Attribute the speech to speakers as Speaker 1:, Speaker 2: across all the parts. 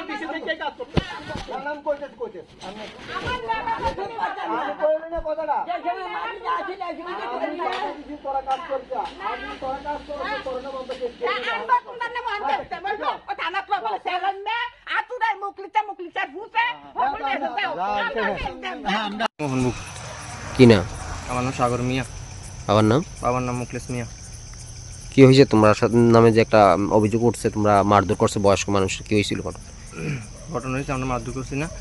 Speaker 1: DC থেকে কাজ করতে নাম কইতেছ আমি কইলে না কথাটা ডিসি তোরা কাজ করছ আমি তোরা কাজ করছ তোরা না বন্ধ করতে
Speaker 2: আমরা কোনটা না বন্ধ করতে বলবো ও থানা প্রবল সেলন মে আতুরাই মুকলিচার ভূতে
Speaker 3: মোহন মুখ
Speaker 4: কি না?
Speaker 3: আমার নাম সাগর মিয়া।
Speaker 4: বাবার নাম
Speaker 3: মুখলেস মিয়া।
Speaker 4: কি হয়েছে তোমরা নামে যে একটা অভিযোগ উঠছে তোমরা মারধর করছে বয়স্ক মানুষ, কি হয়েছিল
Speaker 3: ঘটনা হয়েছে আমরা মারধর করছি না,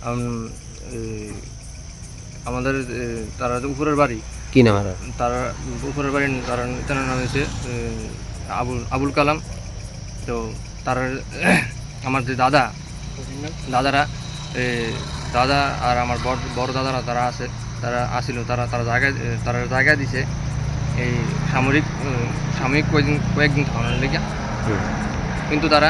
Speaker 3: আমাদের তারা উপরের বাড়ি
Speaker 4: কি নাম?
Speaker 3: তারা উপরের বাড়ি তার নাম হয়েছে আবুল কালাম। তো তার আমার যে দাদারা দাদা আর আমার বড় দাদারা তারা আসিল, তারা জায়গা দিছে এই সাময়িক কয়েকদিন থামানোর লেগে। কিন্তু তারা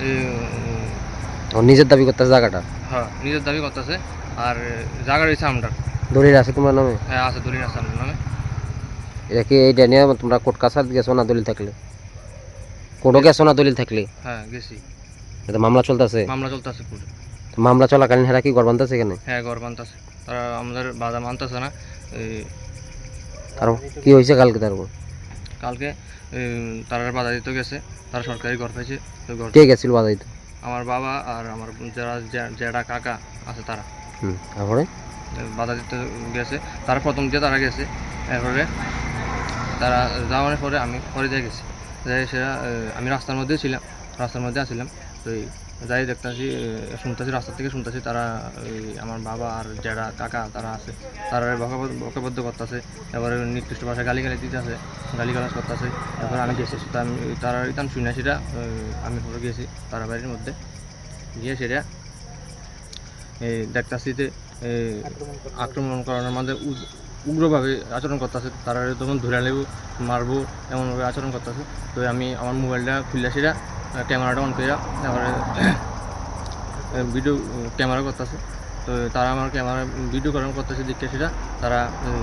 Speaker 4: নিজের দাবি করতেছে জায়গাটা?
Speaker 3: হ্যাঁ, নিজের দাবি করতেছে। আর জায়গা রয়েছে আমরা
Speaker 4: দলিল আছে তোমার নামে?
Speaker 3: হ্যাঁ আছে, দলিল আছে আমার নামে।
Speaker 4: এটা কি এইটা নিয়ে তোমরা কোর্ট কাছার গেছো না? দলিল থাকলে কোর্টও গেছো না? দলিল থাকলে?
Speaker 3: হ্যাঁ গেছি।
Speaker 4: এটা মামলা চলতেছে
Speaker 3: কোর্টে।
Speaker 4: মামলা চলাকালীন হেরা কি গড় বানতেছে এখানে?
Speaker 3: হ্যাঁ গড় বানতেছে, তারা আমাদের বাধা মানতেছে না।
Speaker 4: আর কি হয়েছে কালকে
Speaker 3: তারা বাধা দিতে গেছে, তারা সরকারি ঘর পাইছে।
Speaker 4: কে গেছিল বাধা দিতে?
Speaker 3: আমার বাবা আর আমার যারা কাকা আছে তারা
Speaker 4: তারপরে
Speaker 3: বাধা দিতে গেছে। তারা প্রথম দিয়ে তারা গেছে, এরপরে তারা যাওয়ার পরে আমি পরে দিয়ে গেছি। যাই সেটা আমি রাস্তার মধ্যে আসছিলাম। তো যাই দেখতেছি রাস্তা থেকে শুনতেছি তারা আমার বাবা আর যারা কাকা তারা আছে তারা বকাবদ্ধ করতেছে, এবারে নির্দিষ্ট ভাষায় গালিগালাজ করতেছে। এরপরে আমি গেছি, তারা ইতান শুনে সেটা আমি পরে গেছি তারা বাড়ির মধ্যে গিয়ে সেটা দেখতেছি যে আক্রমণ করানোর মধ্যে উগ্রভাবে আচরণ করতেছে। তারা তখন ধরে নেব মারবো এমনভাবে আচরণ করতেছে। তো আমি আমার মোবাইলটা খুললে সেটা ক্যামেরাটা অন করে তারপরে ভিডিও ক্যামেরা করতেছে। তো তারা আমার ক্যামেরা ভিডিও করানো করতেছে দেখে সেটা তারা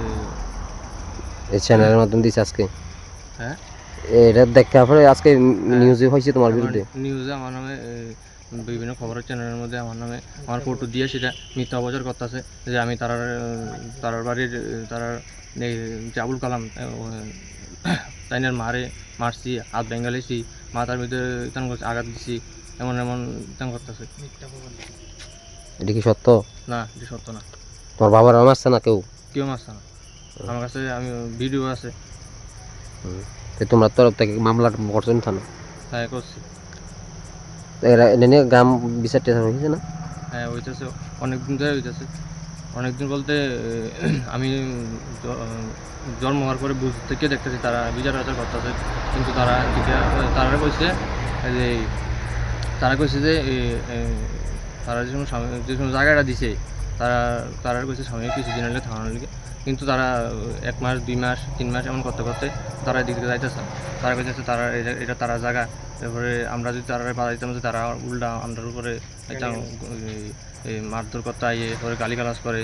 Speaker 4: এই চ্যানেলের মাধ্যমে দিচ্ছে আজকে।
Speaker 3: হ্যাঁ,
Speaker 4: এটা দেখার পরে আজকে নিউজে হয়েছে তোমার বিরুদ্ধে?
Speaker 3: নিউজে আমার নামে বিভিন্ন খবরের চ্যানেলের মধ্যে আমার ফটো দিয়ে সেটা মিথ্যা অপচার করতেছে যে আমি তারার বাড়ির যে আবুল কালাম তাইনের মারছি, হাত বেঙ্গালিছি, মাথার ভিতরে আঘাত দিছি, এমন করতেছে।
Speaker 4: এটা কি সত্য?
Speaker 3: না, এটা সত্য না।
Speaker 4: তোমার বাবার মারছে না? কেউ
Speaker 3: মারছে না। আমার কাছে ভিডিও আছে।
Speaker 4: তোমার তরফ থেকে মামলা করছেন থানা?
Speaker 3: হ্যাঁ করছি।
Speaker 4: গ্রাম বিচার টেচার হয়েছে না?
Speaker 3: হ্যাঁ হইতেছে, অনেকদিন ধরে হইতেছে। অনেকদিন বলতে আমি জন্ম হওয়ার পরে বুঝ থেকে দেখতেছি তারা বিচার আচার করতেছে। কিন্তু তারা কইছে যে তারা যে কোনো জায়গাটা দিছে তারা কইছে সামনে কিছুদিন হলে থামানোর লিগে। কিন্তু তারা 1 মাস 2 মাস 3 মাস এমন করতে তারা এদিকে যাইতেছে। তারা কইতেছে তারা এটা তারা জায়গা। তারপরে আমরা যদি তারা বাধা দিতাম যে তারা উল্টা আমাদের উপরে মারধর করতে আইয়ে পরে গালিগালাজ করে।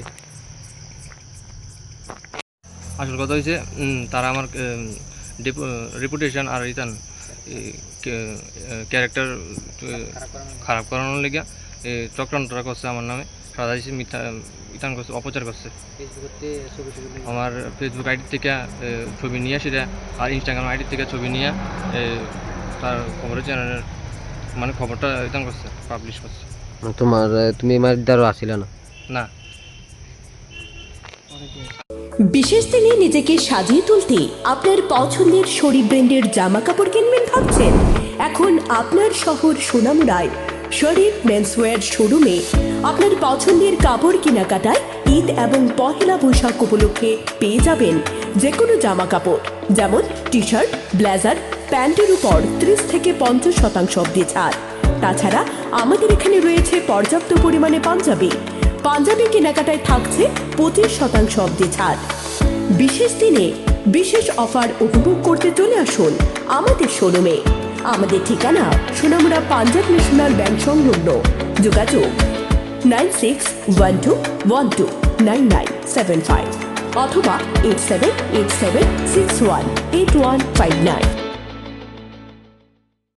Speaker 3: আসল কথা হয়েছে তারা আমার রেপুটেশন আর ক্যারেক্টার খারাপ করানোর লেগে চক্রান্তরা করছে আমার নামে, সাজাইছে, মিথ্যা করছে, অপচার করছে। আমার ফেসবুক আইডি থেকে ছবি নিয়ে সেটা আর ইনস্টাগ্রাম আইডি থেকে ছবি নিয়ে তার খবরের চ্যানেলের খবরটা করছে, পাবলিশ করছে।
Speaker 4: তুমি মারদারও আসিল না?
Speaker 3: না।
Speaker 5: বিশেষ দিনে নিজেকে সাজিয়ে তুলতে আপনার পছন্দের শরীর ব্র্যান্ডের জামা কাপড় কিনবেন ভাবছেন? এখন আপনার শহর সোনামুড়ায় শরীর মেন্সওয়্যার শোরুমে আপনার পছন্দের কাপড় কেনাকাটায় ঈদ এবং পহেলা বৈশাখ উপলক্ষে পেয়ে যাবেন যে কোনো জামা কাপড়, যেমন টি শার্ট, ব্লেজার, প্যান্টের উপর 30 থেকে 50% অবধি ছাড়। তাছাড়া আমাদের এখানে রয়েছে পর্যাপ্ত পরিমাণে পাঞ্জাবি কেনাকাটায় থাকছে 25% অবধি ছাড়। বিশেষ দিনে বিশেষ অফার উপভোগ করতে চলে আসুন আমাদের শোরুমে। আমাদের ঠিকানা সোনামুড়া পাঞ্জাব ন্যাশনাল ব্যাংক সংলগ্ন। যোগাযোগ 9612129975 অথবা 8787618159।